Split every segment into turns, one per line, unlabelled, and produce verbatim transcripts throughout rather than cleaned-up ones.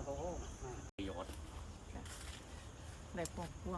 โอ้โหประโยชน์
ได้พวกพวง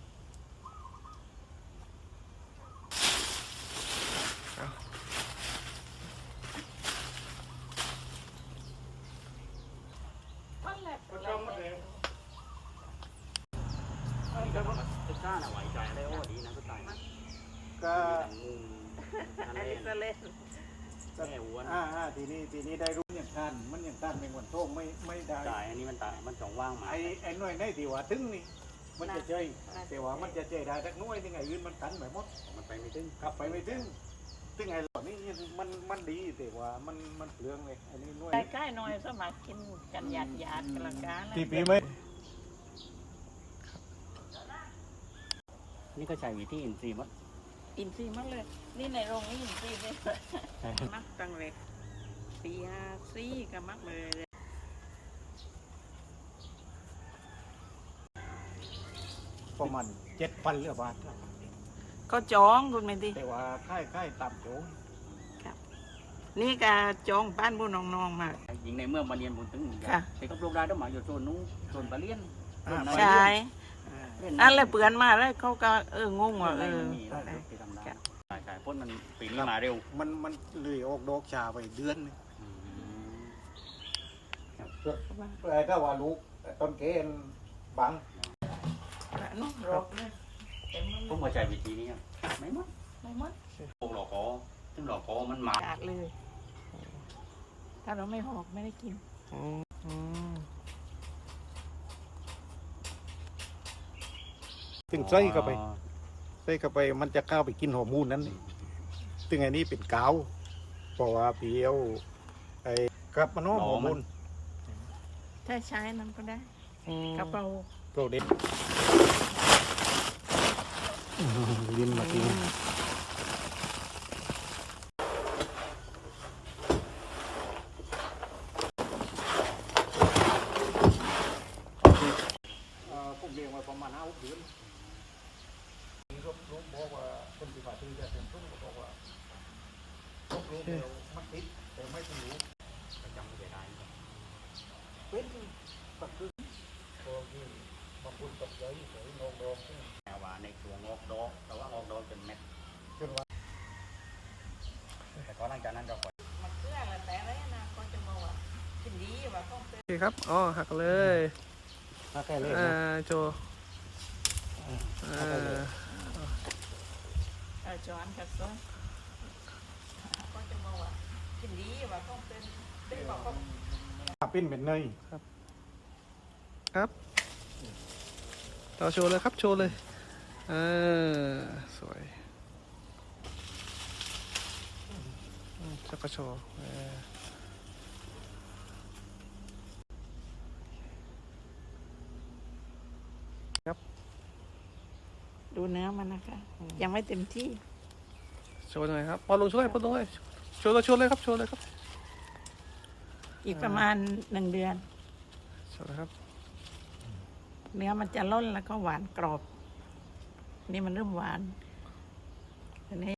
ก็กล้าหน่ะไหวใจได้โอ้ดีนะก็ตาย
ก็
งูนั่น
อัน
เอ
นี้
ง
ก็เล่น
แม่อ้วน
อ่าอ่าทีนี้ทีนี้ได้รู้อย่างท่านมันอย่างท่านเป็นวันโท่งไม่ไม่ได้
ตายอันนี้มันตายมันจ่องว่างมา
ไอ้ไอ้หน่วยในที่ว่าถึงนี่มันจะเจยแต่ว่ามันจะเจยได้ทักหน่วยยังไงอื่นมันกันแบบหมด
มันไปไม่ถึง
กลับไปไม่ถึงถึงไอ้หล่อนี่มันมันดีแต่ว่ามันมันเปลืองเลยอันนี้หน่วย
ใกล้ๆหน่อยสมัครกินกันหยาดหยาดกันละกัน
ที่ปีไม่
นี่ก็ใช้วิธีอินทรีย์มัด
อินซีย์มากเลยนี่ในโรงนี่อินซีย์เลยมักตังเล็กปีห้าซี่ก็มักเลย
ประมาณเจ็ดพันเหรือบาท
ก็จองคุณไม่ดี
แต่ว่าค่ายค่ายต่ำโจ
นี่ก็จองบ้านบุญน้องๆมา
ยิงในเมืองมาเรียนบุญถึง
ค่ะ
แต่ก็ปลูกได้ต้องหมายอยู่โซนนู้นโซนปลาเลี้ยน
ใช่นั่นแหละเปื่อนมาแล้วเขาก็เอองงว่าเออ
มีเราไปทำได้ใช่ใช่พ่นมันปีนี้มาเร็ว
มันมันเลยออกดอกชาไปเดือนนึงแต่ถ้าว่าลูกต้นเกณฑ์บัง
นุ่มรกเลยเต็ม
ผมมาใช้วิธีนี้ไม่มัด
ไม่มัด
ปลูกหลอกคอซึ่งหลอกคอมันมา
กาดเลย ถ้าเราไม่หอกไม่ได้กิน
ถึงใส่เข้าไปใส่เข้าไปมันจะเข้าไปกินฮอร์โมนนั้นถึงไอ้นี่เป็นกาวเพราะว่าเพียวไอ้กับมันฮอร์โมน
ถ้าใช้นั้นก็ได้กระเป๋า
โปรเดนลิ้นมาทีผมเรียกว่าประมาณห้าหกเดือนนี่ก็รู้บอกว่าคนที่ผ่าที่จะเป็นผู้บอกว่าลูกรู้เดียวมันติดแต่ไม่ถึงรู้
ประจำไม่ได้
เป็นตักคือพอที่บางคนตกใจใส่นองดองซึ่ง
แต่ว่าในตัวงอกดอกแต่ว่างอกดอกเป็นเม็ด
จนว่า
แต่ก็หลังจากนั้นเราปล่อย
มาเกลือแล้วแต่อะไรนะก็จะบอกว่ากินดีว่าต้องเป็น
โอเคครับอ๋อหักเลย
ถ้าแค่เล่น
อ่า
นะ
โจอ่า
เออจอนกับซ้อนก็จะบอกว่ากินดีว่าต้องเป็นเป็นบอกก็
ปิ้นเป็นเนย
ครับต่อโชว์เลยครับโชว์เลยอ่าสวยอืมแล้วก็โชว์อ่า
ดูเนื้อมันนะคะยังไม่เต็มที่
โชว์หน่อยครับพอลงช่วยพอลงเลยโชว์เลยโชว์เลยครับโชว์เลยครับ
อีกประมาณหนึ่งเดือน
โชว์เลยครับ
เนื้อมันจะล่นแล้วก็หวานกรอบ นี่มันเริ่มหวานอันนี้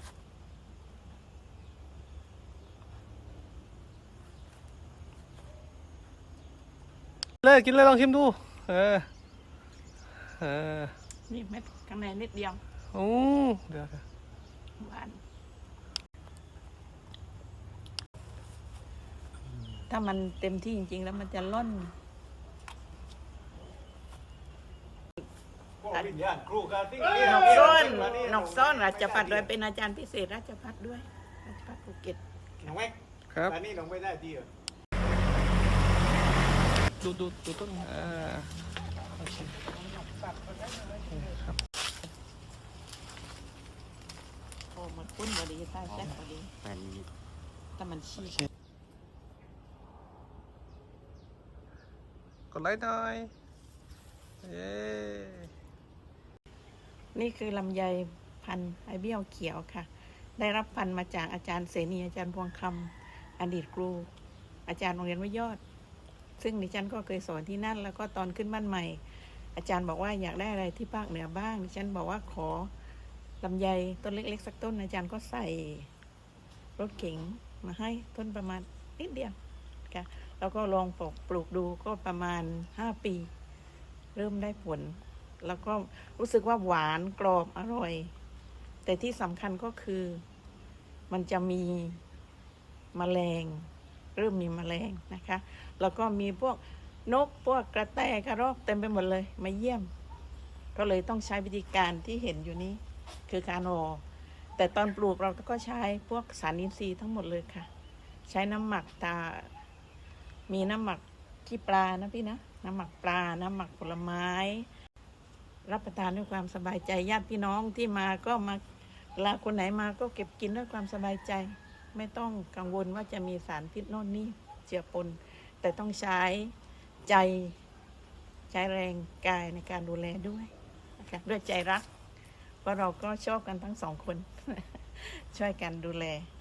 เลยกินเลยลองชิมดูเออเออ
นี่เม็ดข้างในนิดเดียว
โอ้เดี๋ยว
หวาน ถ้ามันเต็มที่จริงๆแล้วมันจะล่น
พวกวิญญาณครูกันที่
นกซ้อนนกซ้อนราชพัฒน์โดยเป็นอาจารย์พิเศษราชพัฒน์ด้วยราชพัฒน์ภูเก็ต
น้องแม็ก
ครับ
อันนี้น้องไม่ได้ดีเหรอ
ดูดูดูต้นอ่าโอเคครับ
โอ้มันคุ้นพอดีใต้แซ่บพอดี
แฟนมี
แต่มันชีก
กดไลค์หน่อยเย้
นี่คือลำไยพันธุ์ไอเบี้ยวเขียวค่ะ ได้รับพันธุ์มาจากอาจารย์เสนีอาจารย์พวงคำอดีตครู อาจารย์โรงเรียนวิยอด ซึ่งดิฉันก็เคยสอนที่นั่น แล้วก็ตอนขึ้นบ้านใหม่ อาจารย์บอกว่าอยากได้อะไรที่ภาคเหนือบ้างดิฉันบอกว่าขอลำไยต้นเล็กๆสักต้นอาจารย์ก็ใส่รถเก๋งมาให้ต้นประมาณนิดเดียวนะคะแล้วก็ลองปลูกปลูกดูก็ประมาณห้าปี เริ่มได้ผล แล้วก็รู้สึกว่าหวานกรอบอร่อย แต่ที่สำคัญก็คือมันจะมีแมลง เริ่มมีแมลงนะคะ แล้วก็มีพวกนกพวกกระแตกระรอกเต็มไปหมดเลยมาเยี่ยม ก็เลยต้องใช้วิธีการที่เห็นอยู่นี้คือการห่อแต่ตอนปลูกเราก็ใช้พวกสารอินทรีย์ทั้งหมดเลยค่ะ ใช้น้ำหมักตา มีน้ำหมักขี้ปลานะพี่นะ น้ำหมักปลา น้ำหมักผลไม้ รับประทานด้วยความสบายใจ ญาติพี่น้องที่มาก็มาเวลาคนไหนมาก็เก็บกินด้วยความสบายใจ ไม่ต้องกังวลว่าจะมีสารพิษโน่นนี่เจือปน แต่ต้องใช้ใจใช้แรงกายในการดูแลด้วยนะคะด้วยใจรัก เพราะเราก็ชอบกันทั้งสองคน ช่วยกันดูแล